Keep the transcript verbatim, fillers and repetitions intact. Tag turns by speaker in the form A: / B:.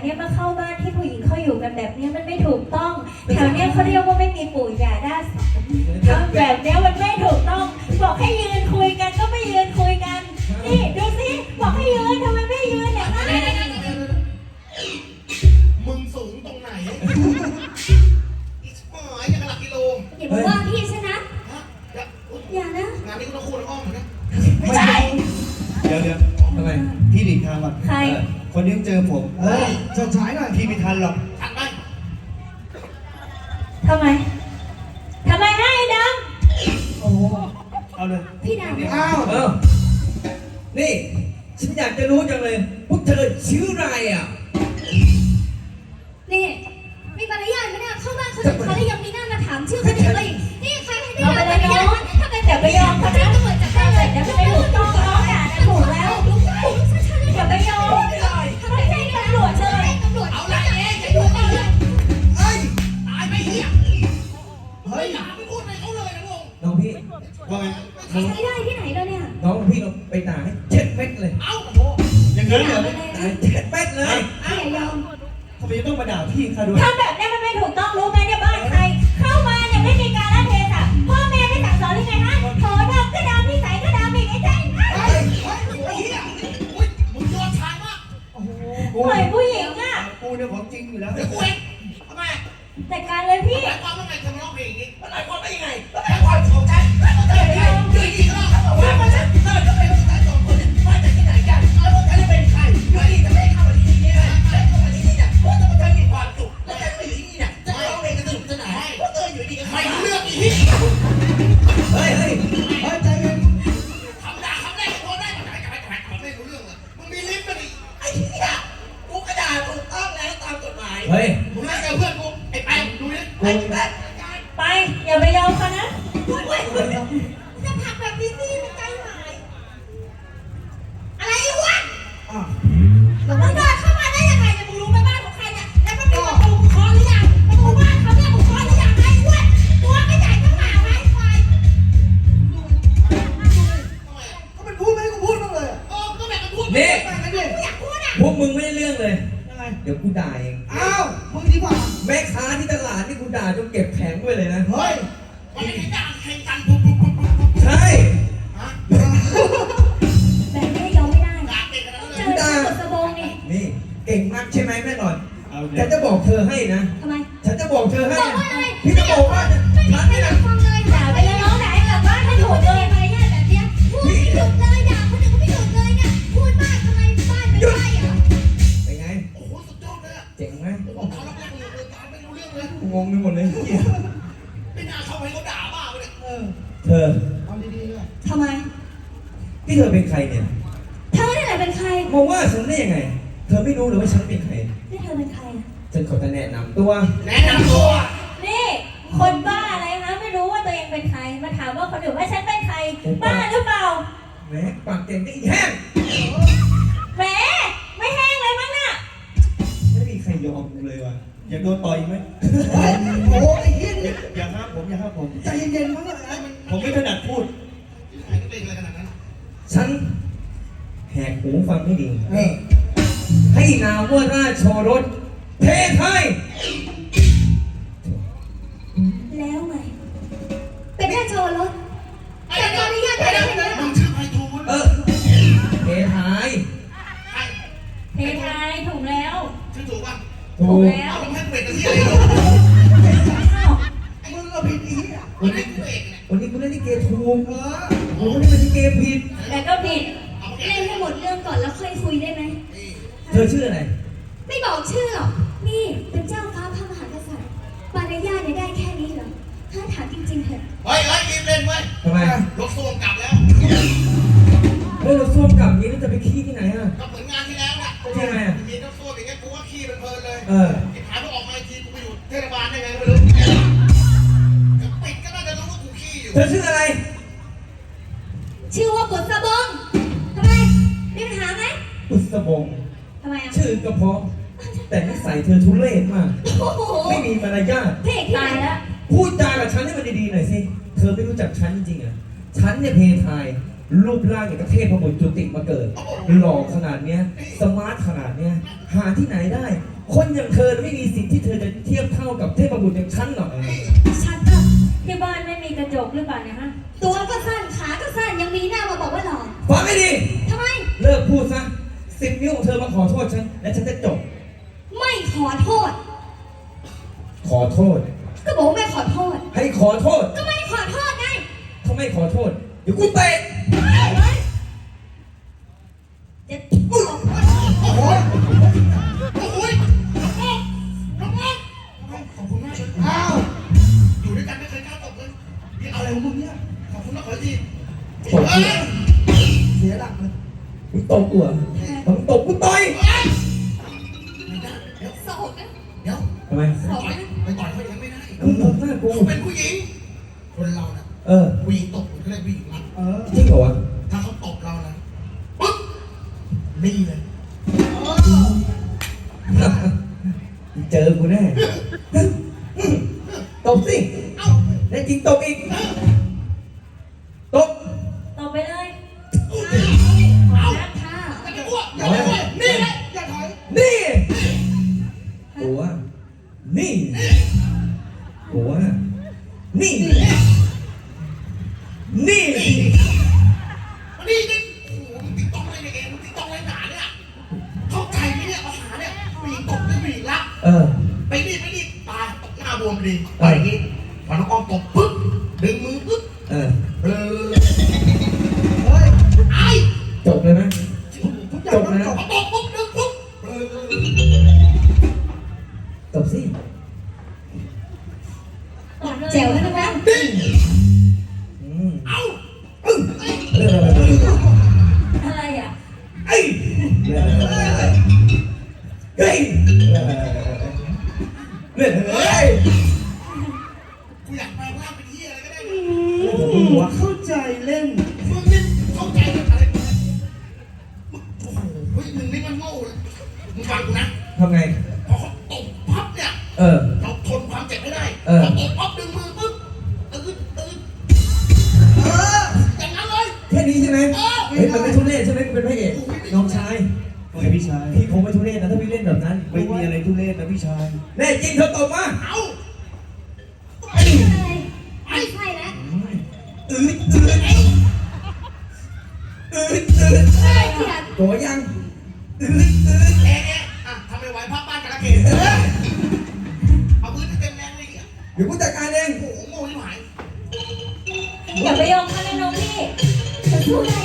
A: เนี้ยมาเข้าบ้านที่ผู้หญิงเขาอยู่กันแบบเนี้ยมันไม่ถูกต้องแถวเนี้ยเขาเรียกว่าไม่มีปู่ย่าด้าทำแบบเนี้ยมันไม่ถูกต้องบอกให้ยืนคุยกันก็ไม่ยืนคุยกันนี่ดูสิบอกให้ยืนทำไมไม่ยืนอย่างนั้น
B: มึงสูงตรงไหนอีกหมายยังกระหลักกิโล
A: อย่าบอกว่าพี่ชนะ
B: ฮะ
A: อย่านะ
B: งานนี้กูต้องคูณอ้อมเหมือนกัน
A: ไม่ใช่
C: เดี๋ยวเดี๋ยวทำไมพี่หลีกทางก่อน
A: ใคร
C: คนนี้เจอผมเฮ้ยจะฉายหน่อยพี่ไม่ทันหรอก
B: ทันไหม
A: ทำไมทำไมให้ด
C: โอ้โหเอาเลย
A: ำพี่ดำ
C: อ้าว
D: เออนี่ฉันอยากจะรู้จังเลยพวกเธอชื่ออะไรอ่ะ
E: นี่มีมารยาทไหมเนี่ยเข้าบ้านเขาถึงเขาแล้วยังมีหน้ามาถามชื่อคนอื่นเลยนี่ใครให้ได้รับมารยาทถ้าเป็น
A: อย่าไปยอมเขา
E: แจ้
A: นะ
E: งตำรวจจับได้เลย
A: เดี๋ยวไม่ถูกต้องน้องด่านะถูกแล้วอย่าไปยอมเขาไม่ใช่ตำรวจเลย
E: ตำรวจ
B: เอา
E: เอา
B: ไร
E: ละ
B: เองจะ
E: จะ
B: อยู่
E: ถูก
B: ก่อน
E: เล
B: เลย
E: ย
B: เฮ้ยตายไปเหี้ยเฮ้ยอย่าไปพูดอะไรเขาเลยนะลุง
D: น้องพี่
C: ว่าไง
E: ใช้ได้ที่ไหนแล้วเนี่ย
D: น้องพี่เราไปด่าให้เจ็ดเม็ดเลย
B: เอ้าโอ้โห
C: อย่างนั้นเหรอ
D: ด่าเจ็ดเม็ดเลย
E: พี่อย่ายอม
C: ทำไมต้องมาด่าพี่ข้าด้วย
A: ทำแบบนี้มันไม่ถูกต้องรู้ไหมเนี่ยบ้านใครเข้ามาเนี่ยไม่มีการละเทศะพ่อแม่ไม่สั่งสอนหรือไงฮะโถดำก็ดำนิสัยก็ดำอีกไอ้ใจนะ
B: เฮ้ยเฮ้ยไอ้เหี้ยอุ้ยมึงยอดชายมาก
C: โอ้โห
A: ปล่อยผู้หญิงอ่ะ
C: กูเนี่ยของจริงอยู่แล้ว
B: เดี๋ยวกูเองทำไม
A: จัดการเลยพี่
B: หมายความว่าไงเธอมาร้องเพลงอย่างนี้หมายความว่ายังไงหมายความของฉันหมายความว่ายังไงอยู่ดีก็ร้องเขาบอกว่ามันฉันเธอจะเป็นผู้ชายสองคนเนี่ยมาจากที่ไหนกันแล้วพวกฉันจะเป็นใครอยู่ดีจะไม่เข้ามาที่นี่เลยไม่เข้ามาที่นี่เนี่ยเพราะว่าเธอมีความสุขแล้วฉันมาอยู่ที่นี่เนี่ยจะร้องเพลงกันสนุกสนานเพราะเธออยู่ดีก็ไม่รู้เรื่องอีก
D: เฮ้ยเฮ้ย
C: เฮ้ยใจเย็น
B: คำด่าคำแรกพอได้มาแต่ไม่แต่ไม่ไม่รู้เรื่องเลยมึงมีลิ้นมันอีกไอ้เหี้ยกูกระดาษถูกต้องแล้วตามกฎหมาย
D: เฮ้ย
B: มึงไล่กับเพื่อนกูไอ้แปมดูนี่ไอ้แปม
A: ไปอย่าไปยอมเขานะ
E: จะผลักแบบนี้สิมันใจหายอะไรวะ
C: อ่ะ
E: มึงเดินเข้ามาได้ยังไงเนี่ยมึงรู้ไหมบ้านของใครเนี่ยแล้วมันมีประตูมึงเคาะหรือยังประตูบ้านเขาเนี่ยมึงเคาะหรือยังไอ้อ้วนตัวไม่ใหญ่เท่าหมาไม้ควาย
C: ก็มันพูดไม่ให้กูพูดบ้างเลยอะ
B: เออก็แบบมันพูด
D: นี่
C: ไปกันดิ
E: กูอยากพูดอ่ะ
D: พวกมึงไม่ได้เรื่องเลย
C: ยังไง
D: เดี๋ยวกูด่าเอง
C: อ้าวมึงดีกว่า
D: แม่ค้าที่ตลาดนี่กูด่าจนเก็บแผงไว้เลยนะ
C: เฮ้ย
B: มันไม่ได้ด่าใครกันปุ๊บปุ๊บปุ๊บปุ๊บปุ๊บ
D: ใช่
B: ฮะ
A: แบบนี้ยอมไม่ได้
B: ด่าเก่งขนาดนั้น
A: เจ
B: เลย
A: อที่กดสะบงนี่
D: นี่เก่งมากใช่ไหมแม่หน่อย
C: เอาเล
D: ฉั
C: ย
D: นจะบอกเธอให้นะ
A: ทำไม
D: ฉันจะบอกเธอให้
E: บอก
D: นะ
E: ว่าอะไร
D: พี่จะบอกว่าฉัน
E: ไม่
D: นี่
E: อยา
D: นะ
E: กฟังเลย
A: ด่าไปเลยน้องไหนกลับบ้านไม่ถูกเลย
E: มารยาทแบบเนี้ยพูดไม่หยุดเลยด่าคนอื่นก็ไม่หยุดเลยเนี่ยพูดมากทำไมบ้านเป็นไร่เหรอ
D: เป็นไง
B: โอ้โหสุดยอดเลยอะ
D: เจ๋งไหม
B: โอ้โหเขารับแรกเลยเลยตามไม่รู้เรื่องเลย
D: กูงงไปหมดเลยเหี้ย
B: ไม่น่าเข้าไปเขาด่าบ้าไปเลย
C: เออ
D: เธอ
C: เอาดีๆเลย
A: ทำไม
D: ที่เธอเป็นใครเนี่ย
A: เธอเนี่ยแหละเป็นใคร
D: มาว่าฉันได้ยังไง เธอไม่รู้เลยว่าฉันเป็นใคร
A: นี่เธอเป็นใครอะ
D: ฉันขอจะแนะนำตัว
B: แนะนำตัว
A: นี่คนบ้าอะไรคะไม่รู้ว่าตัวเองเป็นใครมาถามว่าคนอื่นว่าฉันเป็นใครบ้าหรือเปล่า
D: แหมปากเก่งได้อีกแห้ง
A: แหมไม่แห้งเลยมั้งน่ะ
D: ไม่มีใครยอมกูเลยว่ะอยากโดนต่อยไหม
C: เฮ้ยโอ้โหไอ้เหี้ย
D: อ
C: นี่
D: ย่าอย่าห้ามผมอย่าห้ามผม
C: ใจเย็นๆมั้งอะ
D: ผมไม่ถนัดพูด
B: ใครก็เป็นอะไรขนาดนั้น
D: ฉันแหกหูฟังให้ดี
C: เออ
D: ให้นามว่าราชโชรสเทไทย
A: แล้วไง
E: เป็นแค่โชว์รถ
B: ไอ้เดี๋ยวไอ้เดี๋ยวมึงชื่อไพฑูรย์
D: เออเทไทย
B: ไอ้
A: เทไทยถูกแล้ว
B: ชื่อถูกป่ะ
D: ถูก
A: แล้ว
B: เอามึงให้เป็ดกับที่อะไร
A: อ้าว
C: มึงก็ผิดอีกอ่ะ
B: วันนี้กูเอกเนี่ย
D: วันนี้กูเล่นลิเกถูก
C: เออ
D: ผมไม่ได้เป็นลิเกผิด
A: แต่ก็ผิด
B: เอามาแก
E: เล่นให้หมดเรื่องก่อนแล้วค่อยคุยได้ไหม
B: นี่
D: เธอชื่ออะไร
E: ไม่บอกชื่อหรอกนี่เป็นเจ้าฟ้าพระมหากษัตริย์มารยาทเนี่ยได้แค่นี้เหรอถ้าถามจริงๆเถอะ
B: เฮ้ยเฮ้ยรีบเล่นเว้ย
D: ทำไม
B: รถส้วมกลับแล้ว
D: เฮ้ยเราส้วมกลับอย่างนี้แล้วจะไปขี้ที่ไหนอ่ะ
B: ก็เหมือนงานที่แล้วน่ะ
D: ใช่ไหมอะ
B: มีรถส้วมอย่างเงี้ยกูว่าขี้เป็นเพลินเลย
D: เออ
B: ไอ้ผายมันออกมาอีกทีกูไปอยู่เทศบาลได้ไงไม่รู้จะปิดก็น่าจะรู้ว่ากูขี้อยู่
D: เธอชื่ออะไร
E: ชื่อว่าบุษบงทำไมมีปัญหาไหม
D: อุสบง
E: ทำไมอ่ะ
D: ชื่อกระเพาะแต่นิสัยเธอทุเรศมาก
E: โอ้โห
D: ไม่มีมารยาท
E: เพจที่
A: ตาย
E: ไหน
A: แล้ว
D: พูดจากับฉันให้มันดีๆหน่อยสิ เธอไม่รู้จักฉันจริงๆเหรอฉันเนี่ยเพทาย รูปร่างอย่างกับเทพพบุตรจุติมาเกิด หล่อขนาดเนี้ย สมาร์ทขนาดเนี้ย หาที่ไหนได้คนอย่างเธอไม่มีสิทธิ์ที่เธอจะเทียบเท่ากับเทพบุตรอย่างฉันหรอก
A: ชัดอ่ะที่บ้านไม่มีกระจกหรือเปล่าเนี่ยฮะ
E: ตัวก็สั้นขาก็สั้นยังมีหน้ามาบอกว่าหล่อ
D: ฟังให้ดี
E: ทำไม
D: เลิกพูดซะสิบนิ้วของเธอมาขอโทษฉัน และฉันจะจบ
E: ไม่ขอโทษ
D: ขอโทษ
E: ก็บอกว่าไม่ขอโทษ
D: ให้ขอโทษ
E: ก็ไม่ขอโทษไง
D: ถ้าไม่ขอโทษ เดี๋ยวกูเตะ
E: จะ
B: โอ้โหโอ้โหน้องน้องน้องขอบคุณมากเลยอ้าวอยู่ด้วยกันไม่เคยกล้าตบเลยนี่อะไรของมึงเนี่ยขอบคุณนะขอที
D: ตบกู
B: เสียหลักเลย
D: มึงตบกูเหรอมึงตบกูต่อย
B: เดี๋ยว
E: สอบนะ
B: เดี๋ยว
D: ทำไม
E: สอบนะ
B: ไปต่อยเขาอย่างไม่ได้
D: มึงตบหน้ากู
B: เขาเป็นผู้หญิง คนเราน่ะ
D: เออ
B: ผู้หญิงตบมันก็เลยผู้หญิงรัก
C: เออ
D: จริงเหรอวะ
B: ถ้าเขาตบเรานะปึ๊บนี่เลย
D: เจอกูแน่ตบสิ
B: เอ้า
D: แน่จริงตบอีกตบ
A: ตบไปเลย
E: ขอนักค่ะ
B: อย่าไปอ้วกอย่าไปอ้วกนี่เลยอย่าถอย
D: นี่ตัวนี่ตัวนี่ นี่
B: มานี่นี่โอ้โหมึงติ๊กต้องอะไรเนี่ยเองมึงติ๊กต้องอะไรหนาเนี่ยเข้าใจไหมเนี่ยภาษาเนี่ยผู้หญิงตบด้วยผู้หญิงรัก
D: เออ
B: ไปนี่ไปนี่ตายตกหน้าบวมดีไปอย่างนี้พอน้องอ้อมตบปึ๊บดึงมือปึ๊บ
D: เออ
B: เออเฮ้ยไอ้
D: จบเลยไหม
B: ทุกอย่างมันจบตบปุ๊บดึงปุ๊บเออ
D: ตบสิ
A: ตบเลย
E: แจ๋วแล้วนะ
B: นี่
D: อืม
B: เอ้า
D: เออเออ
A: อะไรอ่ะ
D: ไอ้เฮ้ยเฮ้ยเฮ้ย
B: กูอยากแปลงร่างเป็นเหี้ยอะไรก็ได้
C: หัวเข้าใจเล่น
B: มึงนี่เข้าใจอะไรกูนะมึงโอ้โหเฮ้ยมึงนี่มันโง่เลยมึงฟังกูนะ
D: ทำไง
B: พอเขาตบพับเนี่ย
D: เออ
B: เราทนความเจ็บไม่ได้
D: เออ
B: พอตบพับดึงมือปุ๊บตื่นตื่นเอออย่างนั้นเลย
D: แค่นี้ใช่ไหมเฮ้ยมันไม่ทุเรศใช่ไหมกูเป็นพระเอกน้องชาย
C: โอ้ยพี่ชาย
D: พี่คงไม่ทุเรศนะถ้าพี่เล่นแบบนั้น
C: ไม่มีอะไรทุเรศนะพี่ชาย
D: แน่จริงเธอตบมา
B: เอา
E: ไม่ไม่ใช่แล้ว
D: อืดอืดอืดอืด
E: ใช่เถียง
D: ตัวยังอืดอืด
B: แอะแอะอ่ะทำไมไหวพับบ้านกระเกดเอามือเต็มแรงเลยอ่ะ
D: เดี๋ยวกูจัดการเอง
B: โอ้โหโง่ยิ่งหาย
A: อย่าไปยอมเขาเลยน้องพี่ฉันสู้ได้